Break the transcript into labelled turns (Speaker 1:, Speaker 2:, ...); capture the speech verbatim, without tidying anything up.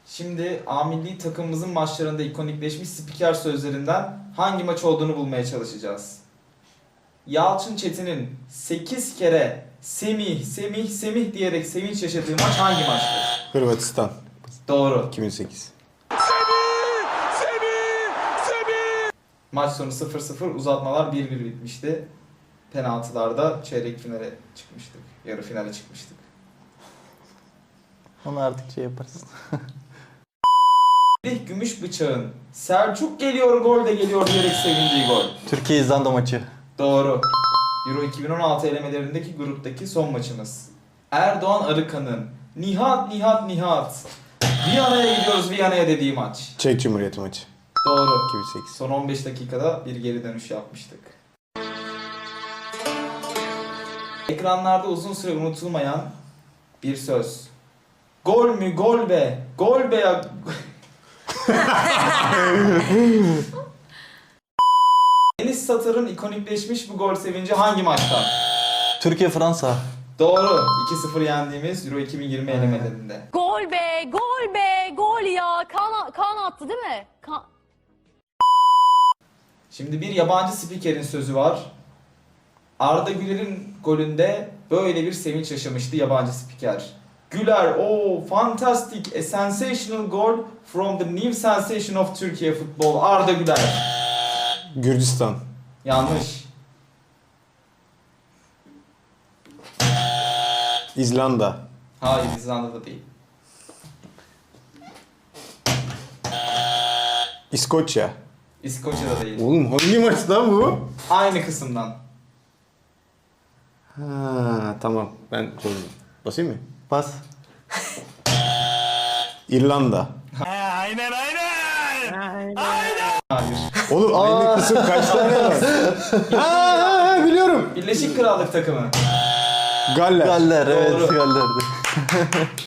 Speaker 1: Şimdi A milli takımımızın maçlarında ikonikleşmiş spiker sözlerinden hangi maç olduğunu bulmaya çalışacağız. Yalçın Çetin'in sekiz kere Semih, Semih, Semih diyerek sevinç yaşadığı maç hangi maçtır?
Speaker 2: Hırvatistan.
Speaker 1: Doğru.
Speaker 2: iki bin sekiz.
Speaker 1: Maç sonu sıfır sıfır, uzatmalar bir bir bitmişti. Penaltılarda çeyrek finale çıkmıştık. Yarı finale çıkmıştık.
Speaker 3: Onu artık şey yaparız.
Speaker 1: Melih Gümüşbıçak'ın Selçuk geliyor gol de geliyor diyerek sevindiği gol.
Speaker 3: Türkiye-İzlanda maçı.
Speaker 1: Doğru. Euro iki bin on altı elemelerindeki gruptaki son maçımız. Erdoğan Arıkan'ın Nihat Nihat Nihat Viyana'ya gidiyoruz Viyana'ya dediği maç.
Speaker 2: Çek Cumhuriyeti maçı.
Speaker 1: Doğru.
Speaker 2: iki bin sekiz.
Speaker 1: Son on beş dakikada bir geri dönüş yapmıştık. Ekranlarda uzun süre unutulmayan bir söz. Gol mü gol be, gol be ya. Deniz Satır'ın ikonikleşmiş bu gol sevinci hangi maçta?
Speaker 3: Türkiye-Fransa.
Speaker 1: Doğru. iki sıfır yendiğimiz Euro iki bin yirmi elemelerinde.
Speaker 4: Gol be, gol be, gol ya. Kan, kan attı değil mi? Kan...
Speaker 1: Şimdi bir yabancı spikerin sözü var. Arda Güler'in golünde böyle bir sevinç yaşamıştı yabancı spiker. Güler, oh fantastic, a sensational goal from the new sensation of Turkey football. Arda Güler.
Speaker 2: Gürcistan.
Speaker 1: Yanlış.
Speaker 2: İzlanda.
Speaker 1: Hayır, İzlanda'da değil.
Speaker 2: İskoçya.
Speaker 1: İskoçya'da değil.
Speaker 2: Oğlum hangi maç lan bu?
Speaker 1: Aynı kısımdan.
Speaker 2: Ha tamam. Ben çözdüm. Basayım mı?
Speaker 3: Bas.
Speaker 2: İrlanda.
Speaker 1: Hayır.
Speaker 2: Oğlum aynı kısım kaç tane var? Aa, biliyorum.
Speaker 1: Birleşik Krallık takımı.
Speaker 2: Galler.
Speaker 3: Galler, evet
Speaker 1: Doğru.
Speaker 3: Galler'di.